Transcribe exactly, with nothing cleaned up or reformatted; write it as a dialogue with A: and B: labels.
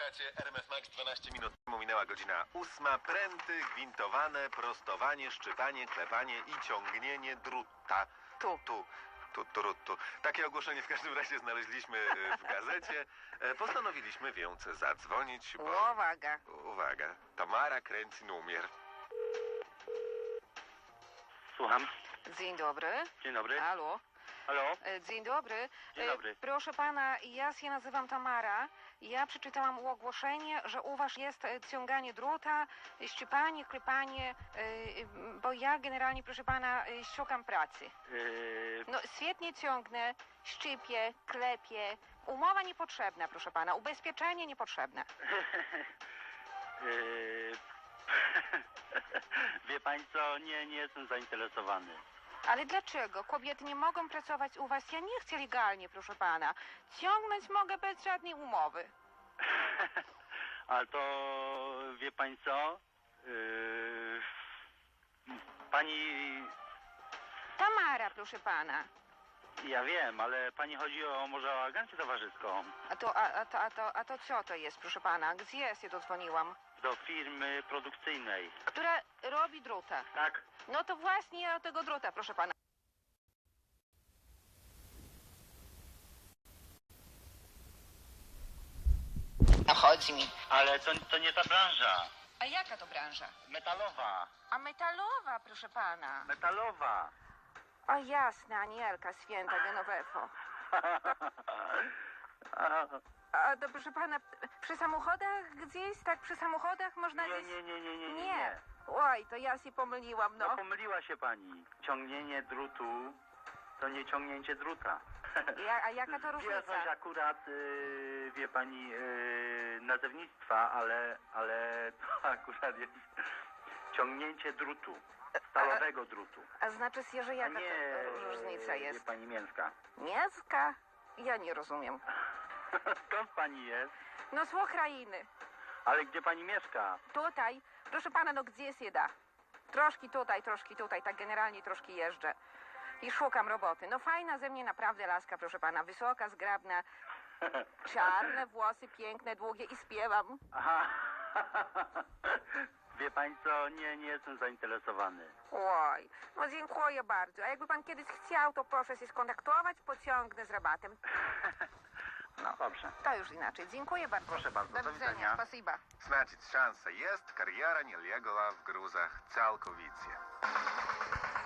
A: Słuchacie R M F Max dwanaście minut. Minęła godzina ósma. Pręty, gwintowane, prostowanie, szczypanie, klepanie i ciągnienie druta. Tu, tu, tu, tu, tu. Takie ogłoszenie w każdym razie znaleźliśmy e, w gazecie. E, Postanowiliśmy więc zadzwonić, bo...
B: Uwaga.
A: Uwaga, Tamara kręci numer.
C: Słucham.
B: Dzień dobry.
C: Dzień dobry.
B: Halo.
C: Halo?
B: E, Dzień dobry.
C: Dzień
B: E,
C: dobry.
B: Proszę pana, ja się nazywam Tamara. Ja przeczytałam ogłoszenie, że u was jest e, ciąganie druta, e, szczypanie, klepanie, e, e, bo ja generalnie, proszę pana, e, szukam pracy.
C: Yy,
B: No świetnie ciągnę, szczypię, klepię. Umowa niepotrzebna, proszę pana. Ubezpieczenie niepotrzebne.
C: yy, Wie pani co, nie, nie jestem zainteresowany.
B: Ale dlaczego? Kobiety nie mogą pracować u was. Ja nie chcę legalnie, proszę pana. Ciągnąć mogę bez żadnej umowy.
C: Ale to wie pani co? Yy, Pani...
B: Tamara, proszę pana.
C: Ja wiem, ale pani chodzi o może o agencję towarzyską.
B: A to, a, a, to, a, to, a to co to jest, proszę pana? Gdzie ja się dodzwoniłam?
C: Do firmy produkcyjnej.
B: Która robi druta.
C: Tak?
B: No to właśnie ja do tego druta, proszę pana. No chodzi mi.
C: Ale to, to nie ta branża.
B: A jaka to branża?
C: Metalowa.
B: A metalowa, proszę pana.
C: Metalowa.
B: O jasne, Anielka święta Genowefo. A to proszę pana, przy samochodach gdzieś, tak przy samochodach można
C: Nie,
B: gdzieś...
C: nie, nie, nie, nie, nie.
B: Nie. Oj, to ja się pomyliłam,
C: No
B: no.
C: pomyliła się pani. Ciągnienie drutu to nie ciągnięcie druta.
B: Ja, a jaka to
C: Wie
B: różnica?
C: coś akurat, yy, wie pani, yy, nazewnictwa, ale, ale to akurat jest ciągnięcie drutu, stalowego drutu.
B: A znaczy się, że
C: A
B: jaka
C: nie,
B: to różnica
C: wie
B: jest?
C: pani, mięska.
B: Mięska? Ja nie rozumiem.
C: Skąd pani jest?
B: No z Ukrainy.
C: Ale gdzie pani mieszka?
B: Tutaj, proszę pana, no gdzie się da? Troszki tutaj, troszki tutaj, tak generalnie troszki jeżdżę. I szukam roboty. No fajna ze mnie naprawdę laska, proszę pana. Wysoka, zgrabna, czarne włosy, piękne, długie i śpiewam.
C: Aha. Wie pani co, nie, nie jestem zainteresowany.
B: Oj, no dziękuję bardzo. A jakby pan kiedyś chciał, to proszę się skontaktować, pociągnę z rabatem.
C: No dobrze.
B: To już inaczej. Dziękuję bardzo.
C: Proszę bardzo,
B: Do
C: do
B: widzenia.
C: widzenia.
B: Spasiba.
A: Значить, шанса jest, кар'єра не легла в грузах цілковіcie.